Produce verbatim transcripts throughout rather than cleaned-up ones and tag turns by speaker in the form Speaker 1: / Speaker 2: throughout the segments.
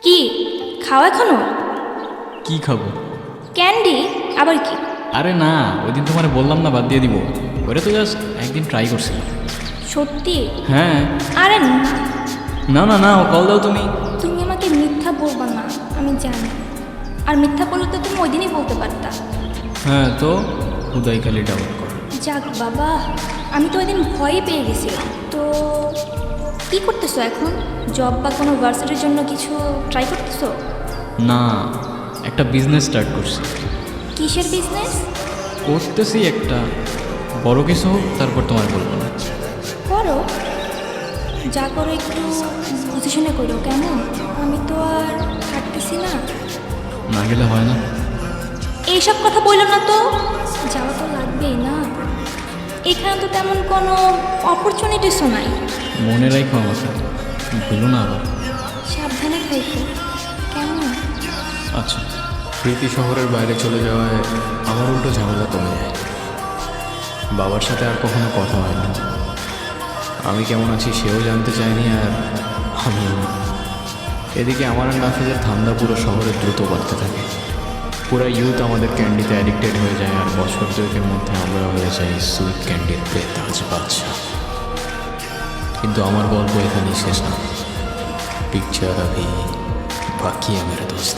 Speaker 1: কি খাও এখনো?
Speaker 2: কি খাবো?
Speaker 1: ক্যান্ডি? আবার কি?
Speaker 2: আরে না, ওই দিন তোমার বললাম না বাদ দিয়ে দিব, ওটা তো জাস্ট একদিন ট্রাই করছিলাম।
Speaker 1: সত্যি?
Speaker 2: হ্যাঁ।
Speaker 1: আরে না,
Speaker 2: না না না, কল দাও তুমি।
Speaker 1: তুমি আমাকে মিথ্যা বলবা না, আমি জানি। আর মিথ্যা বললে তো তুমি ওই দিনই বলতে পারতা।
Speaker 2: হ্যাঁ তো উদয় খালি ডাউট কর।
Speaker 1: যাক বাবা, আমি তো ওই দিন ভয়ই পেয়ে গেছিলাম। তো কি করতেছো এখন? জব বা কোনো ভার্সিটির জন্য কিছু ট্রাই করতেছো?
Speaker 2: না, একটা বিজনেস স্টার্ট করছি।
Speaker 1: কিসের বিজনেস?
Speaker 2: করতেছি একটা বড় কিছু হোক, তারপর তোমার বলবো না।
Speaker 1: করো, যা করো একটু বুঝে শুনে করো, কেমন? আমি তো আর থাকতেছি না।
Speaker 2: না গেলে হয় না।
Speaker 1: এইসব কথা বললো না তো, যাওয়া তো লাগবেই না। এখানে তো তেমন কোনো অপরচুনিটিসও নাই।
Speaker 2: মনে রাখো আমাকে, ভুলো না আবার।
Speaker 1: সাবধানে থাকো, কেমন?
Speaker 2: আচ্ছা।
Speaker 3: প্রীতি শহরের বাইরে চলে যাওয়ায় আমার উল্টো ঝামেলা কমে যায়। বাবার সাথে আর কখনো কথা হয় না। আমি কেমন আছি সেও জানতে চায়নি, আর আমিও না। এদিকে আমার আর নাফিজের ঠান্ডা পুরো শহরে দ্রুত বাড়তে থাকে। পুরো ইউথ আমাদের ক্যান্ডিতে অ্যাডিক্টেড হয়ে যায়, আর বছর দুয়েকের মধ্যে আমরা হয়ে যাই সুইট ক্যান্ডির বেতাজ বাদশা। কিন্তু আমার গল্প এখানেই শেষ না। পিকচার আভি বাকি है मेरे दोस्त।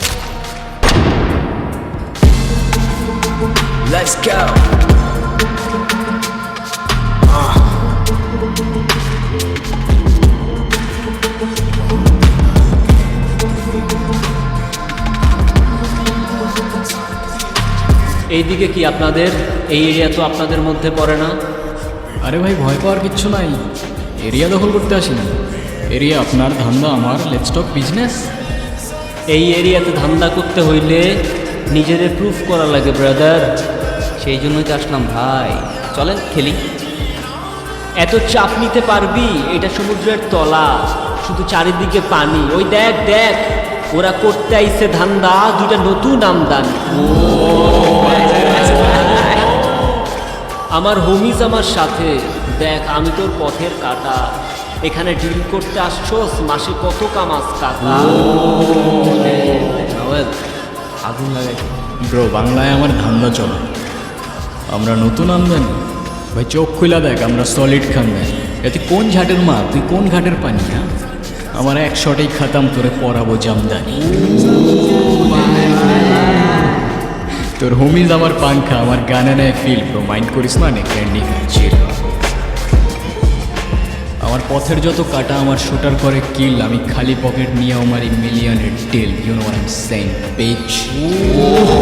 Speaker 3: Let's go. Uh.
Speaker 4: এইদিকে কি আপনাদের? এই এরিয়া তো আপনাদের মধ্যে পড়ে না।
Speaker 2: আরে ভাই, ভয় পাওয়ার কিচ্ছু নাই। এরিয়া দখল করতে আসি না। এরিয়া আপনার, ধান্দা আমার। Let's talk business.
Speaker 4: এই এরিয়াতে ধান্দা করতে হইলে নিজেদের প্রুফ করা লাগে ব্রাদার। সেই জন্যই তো আসলাম ভাই, চলেন খেলি। এত চাপ নিতে পারবি? এটা সমুদ্রের তলা, শুধু চারিদিকে পানি। ওই দেখ দেখ, ওরা করতে আইছে ধান্দা, দুইটা নতুন আমদানি। আমার হোমিজ আমার সাথে। দেখ, আমি তোর পথের কাটা। এখানে ডিল করতে আসছোস, মাসে কত কামাস কাকা?
Speaker 2: আগুন লাগাই ব্রো, বাংলায় আমার ধান্দা চলে। আমরা নতুন আমদানি ভাই, চোখ খুলা দেখ, আমরা সলিড খানদানি। এতে কোন ঝাটের মা, তুই কোন ঘাটের পানি? হ্যাঁ, আমার এক শটেই খাতাম, তোরে পরাবো জামদানি। তোর হোমিজ আমার পাংখা, আমার গানে নেয় ফিল। ব্রো মাইন্ড করিস না, নে ক্যান্ডি চিল। আমার পথের যত কাটা আমার শুটার করে কিল। আমি খালি পকেট নিয়ে আমার মিলিয়নের deal. You know what I am saying, beach.